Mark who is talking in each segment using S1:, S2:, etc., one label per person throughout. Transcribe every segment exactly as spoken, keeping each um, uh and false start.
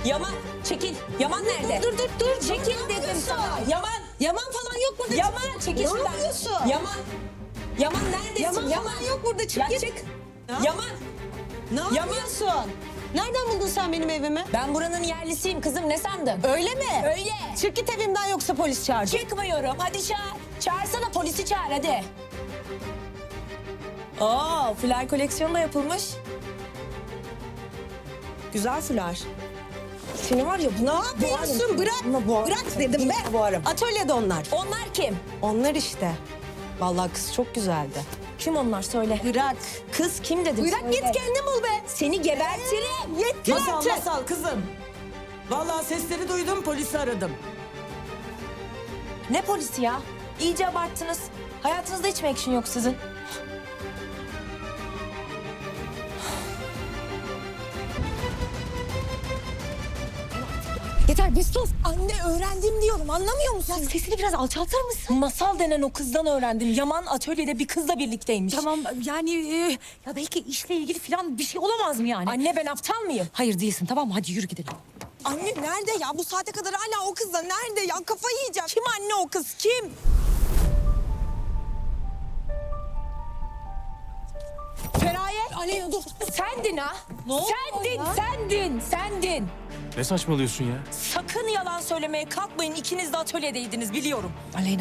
S1: Yaman çekil. Yaman nerede?
S2: Dur dur dur.
S1: Çekil dedim sana. Yaman.
S2: Yaman falan yok burada.
S1: Yaman çekil
S2: Ne
S1: şuradan.
S2: yapıyorsun?
S1: Yaman. Yaman neredesin?
S2: Yaman, Yaman yok burada. Çık
S1: Ya
S2: git.
S1: çık.
S2: Ya.
S1: Yaman.
S2: Ne
S1: Yaman.
S2: yapıyorsun? Nereden buldun sen benim evimi?
S1: Ben buranın yerlisiyim kızım, ne sandın?
S2: Öyle mi?
S1: Öyle.
S2: Çık git evimden yoksa polis çağıracağım.
S1: Çıkmıyorum. Hadi çağır. Çağırsana, polisi çağır hadi. Oo, fular koleksiyonu da yapılmış.
S2: Güzel fular.
S1: Seni var ya...
S2: Ne yapıyorsun? Bırak. Bırak dedim be.
S1: Boğarım.
S2: Atölyede onlar.
S1: Onlar kim?
S2: Onlar işte. Vallahi kız çok güzeldi.
S1: Kim onlar söyle.
S2: Bırak.
S1: Kız kim dedim
S2: Bırak
S1: söyle.
S2: git kendin bul be.
S1: Seni gebertirim.
S2: Yetti
S3: Masal
S2: artık.
S3: masal kızım. Vallahi sesleri duydum, polisi aradım.
S1: Ne polisi ya? İyice abarttınız. Hayatınızda hiç mi action yok sizin?
S2: Yeter bir sus. Anne öğrendim diyorum anlamıyor musun?
S1: Ya sesini biraz alçaltır mısın? Masal denen o kızdan öğrendim. Yaman atölyede bir kızla birlikteymiş.
S4: Tamam yani e, ya belki işle ilgili falan bir şey olamaz mı yani?
S1: Anne ben aptal mıyım?
S4: Hayır değilsin, tamam mı? Hadi yürü gidelim.
S2: Anne nerede ya? Bu saate kadar hala o kızla nerede ya? Kafayı yiyeceğim. Kim anne o kız? Kim?
S1: Feraye.
S2: Aleyna dur.
S1: Sendin ha.
S2: Ne oldu
S1: Sendin,
S2: ya?
S1: sendin, sendin.
S5: Ne saçmalıyorsun ya?
S1: Sakın yalan söylemeye kalkmayın. İkiniz de atölyedeydiniz biliyorum.
S4: Aleyna.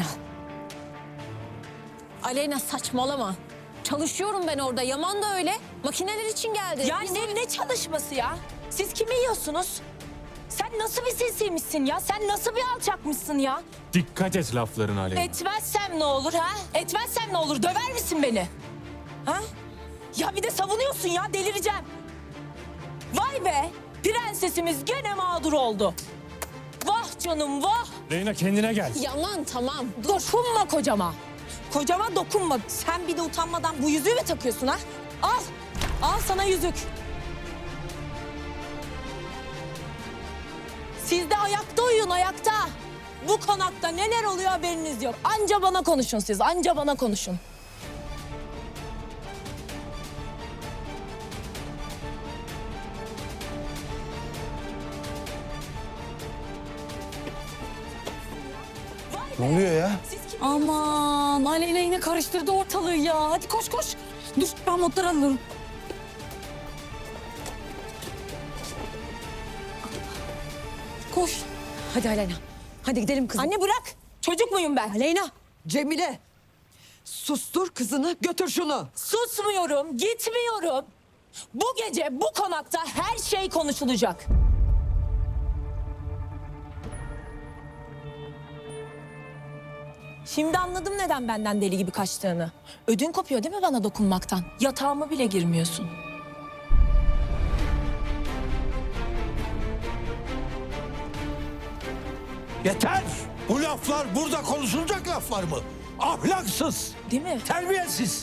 S6: Aleyna saçmalama. Çalışıyorum ben orada. Yaman da öyle. Makineler için geldi.
S1: Ya ne, ne çalışması ya? Siz kimi yiyorsunuz? Sen nasıl bir sinsiymişsin ya? Sen nasıl bir alçakmışsın ya?
S5: Dikkat et laflarına Aleyna.
S1: Etmezsem ne olur ha? Etmezsem ne olur? Döver misin beni? Ha? Ya bir de savunuyorsun ya, delireceğim. Vay be! Prensesimiz gene mağdur oldu. Vah canım vah!
S5: Aleyna kendine gel.
S6: Yaman tamam.
S1: Dokunma kocama. Kocama dokunma. Sen bir de utanmadan bu yüzüğü mü takıyorsun ha? Al. Al sana yüzük. Siz de ayakta uyuyun, ayakta. Bu konakta neler oluyor haberiniz yok. Anca bana konuşun siz, anca bana konuşun.
S5: Ne oluyor ya?
S1: Siz kim?
S4: Aman Aleyna yine karıştırdı ortalığı ya. Hadi koş koş. Dur ben notları alırım. Koş. Hadi Aleyna. Hadi gidelim kızım.
S1: Anne bırak. Çocuk muyum ben?
S4: Aleyna.
S2: Cemile. Sustur kızını götür şunu.
S1: Susmuyorum, gitmiyorum. Bu gece bu konakta her şey konuşulacak. Şimdi anladım neden benden deli gibi kaçtığını. Ödün kopuyor değil mi bana dokunmaktan? Yatağıma bile girmiyorsun.
S7: Yeter! Bu laflar burada konuşulacak laflar mı? Ahlaksız,
S1: Değil mi?
S7: terbiyesiz.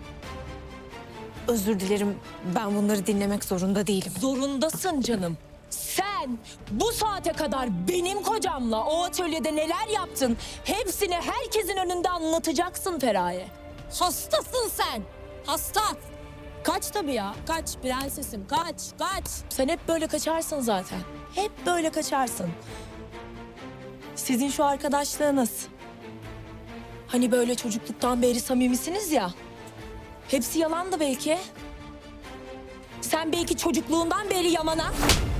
S4: Özür dilerim. Ben bunları dinlemek zorunda değilim.
S1: Zorundasın canım. Sen bu saate kadar benim kocamla o atölyede neler yaptın... ...hepsini herkesin önünde anlatacaksın Feraye.
S6: Hastasın sen. Hasta.
S1: Kaç tabii ya. Kaç prensesim kaç kaç. Sen hep böyle kaçarsın zaten. Hep böyle kaçarsın. Sizin şu arkadaşlığınız. Hani böyle çocukluktan beri samimisiniz ya. Hepsi yalandı belki. Sen belki çocukluğundan beri Yaman'a...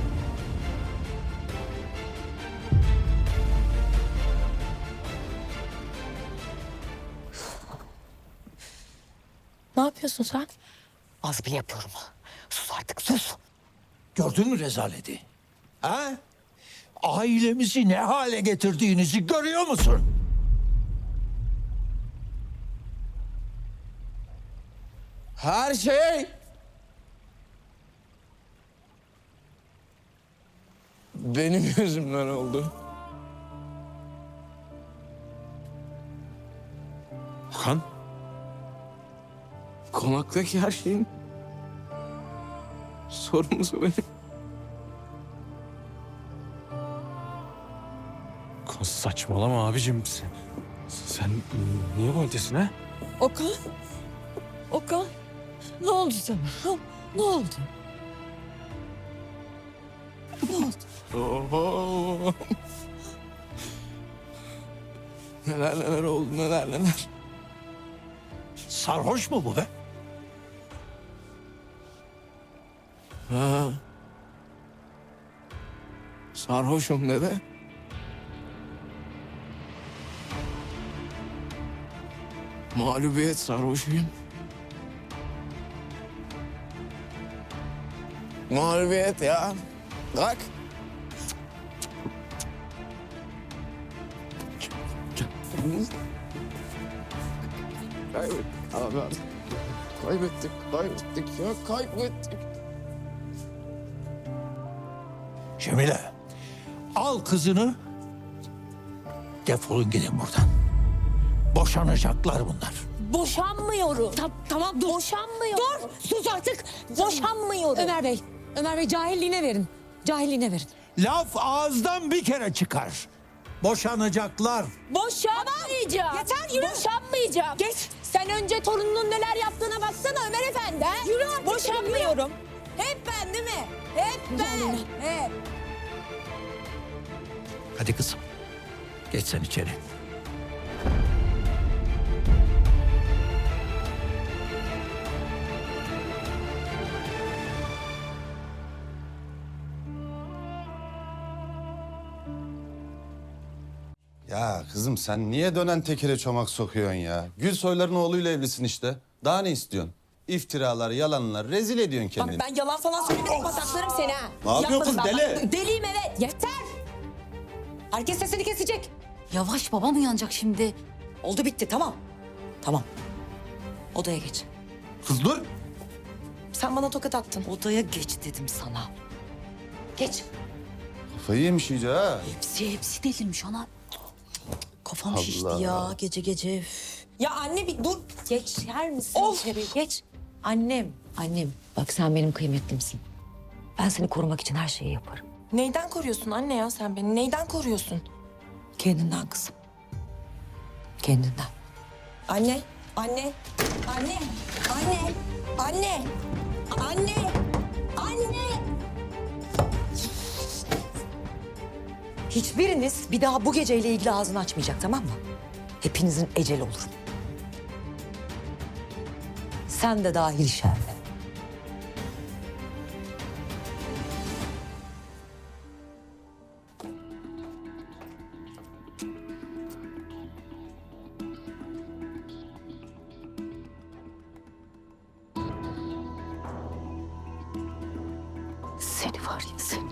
S1: Ne yapıyorsun sen?
S4: Az bile yapıyorum. Sus artık sus.
S7: Gördün mü rezaleti? Ha? Ailemizi ne hale getirdiğinizi görüyor musun?
S8: Her şey benim yüzümden oldu.
S5: Okan,
S8: Konaktaki her şeyin sorumlusu benim.
S5: Okan saçmalama abicim. Sen, sen niye böylesin ha?
S2: Okan. Okan. Ne oldu sana? Ha? Ne oldu? Ne oldu?
S8: Oho. Neler neler oldu, neler neler.
S7: Sarhoş mu bu be?
S8: Ha. Sarhoşum dede. Mağlubiyet sarhoşuyum. Mağlubiyet ya. Bak. Kaybettik abi artık. Kaybettik, kaybettik ya, kaybettik.
S7: Cemile, al kızını, defolun gidin buradan. Boşanacaklar bunlar.
S1: Boşanmıyorum.
S6: Ta- tamam dur.
S1: Boşanmıyorum.
S6: Dur sus artık.
S1: Boşanmıyorum.
S6: Ömer Bey, Ömer Bey cahilliğine verin. Cahilliğine verin.
S7: Laf ağızdan bir kere çıkar. Boşanacaklar.
S1: Boşanmayacağım.
S2: Yeter, yürü.
S1: Boşanmayacağım.
S2: Geç.
S1: Sen önce torununun neler yaptığına baksana Ömer Efendi. ha?
S2: Yürü artık,
S1: Boşanmıyorum. Hep ben değil mi? Hep ben. Hep.
S7: Hadi kızım, geç sen içeri.
S9: Ya kızım sen niye dönen tekere çomak sokuyorsun ya? Gülsoyların oğluyla evlisin işte. Daha ne istiyorsun? İftiralar, yalanlar, rezil ediyorsun
S2: Bak
S9: kendini.
S2: ben yalan falan söylemedim. Pataklarım seni ha.
S9: Ne yapıyorsun kız,
S2: Yapmadım ben.
S9: deli?
S2: Bak, deliyim evet. Yeter. Herkes sesini kesecek.
S4: Yavaş babam uyanacak şimdi.
S2: Oldu bitti tamam. Tamam. Odaya geç.
S9: Kız dur.
S2: Sen bana tokat attın.
S4: Odaya geç dedim sana.
S2: Geç.
S9: Kafayı yemiş iyice ha.
S4: Hepsi hepsi delirmiş ana. Kafam
S9: Allah.
S4: şişti ya gece gece. Üf.
S2: Ya anne bir dur.
S4: Geçer misin
S2: Of.
S4: içeri? Geç. Annem, annem. Bak sen benim kıymetlimsin. Ben seni korumak için her şeyi yaparım.
S2: Neyden koruyorsun anne ya sen beni? Neyden koruyorsun?
S4: Kendinden kızım. Kendinden.
S2: Anne, anne, anne, anne, anne, anne, anne.
S4: Hiçbiriniz bir daha bu geceyle ilgili ağzını açmayacak, tamam mı? Hepinizin eceli olur. Sen de dahil Şerve. Seni var ya seni.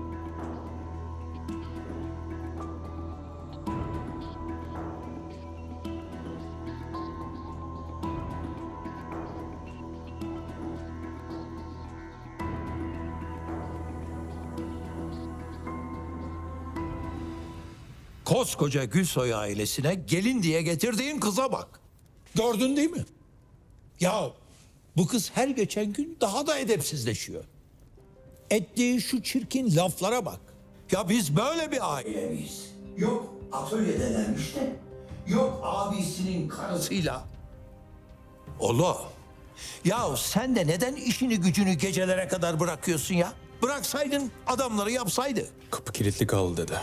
S7: Koskoca Gülsoy ailesine gelin diye getirdiğin kıza bak. Gördün değil mi? Ya bu kız her geçen gün daha da edepsizleşiyor. Ettiği şu çirkin laflara bak. Ya biz böyle bir aile miyiz? Yok atölyedelermiş de, yok abisinin karısıyla. Oğlum, ya sen de neden işini gücünü gecelere kadar bırakıyorsun ya? Bıraksaydın adamları yapsaydı.
S5: Kapı kilitli kaldı dede.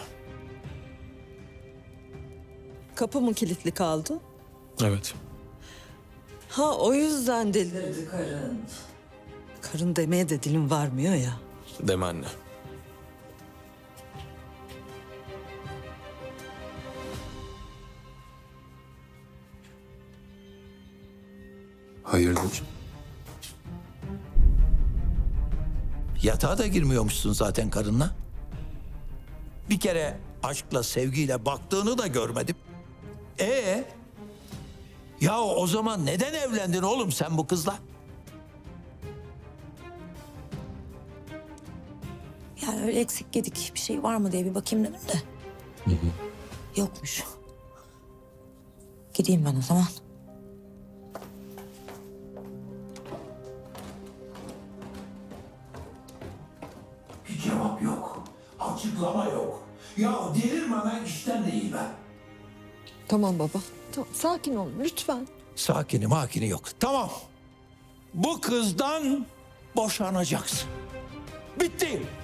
S10: Kapı mı kilitli kaldı?
S5: Evet.
S10: Ha o yüzden delirdi karın. Karın demeye de dilim varmıyor ya.
S5: Deme anne.
S9: Hayırdır?
S7: Yatağa da girmiyormuşsun zaten karınla. Bir kere aşkla, sevgiyle baktığını da görmedim. Ee? Ya o zaman neden evlendin oğlum sen bu kızla?
S2: Yani öyle eksik gedik bir şey var mı diye bir bakayım dedim de. Yokmuş. Gideyim ben o zaman.
S7: Bir cevap yok. Açıklama yok. Ya delirmemen işten değil be.
S10: Tamam baba. Tamam, sakin ol lütfen.
S7: Sakini makini yok. Tamam. Bu kızdan boşanacaksın. Bitti.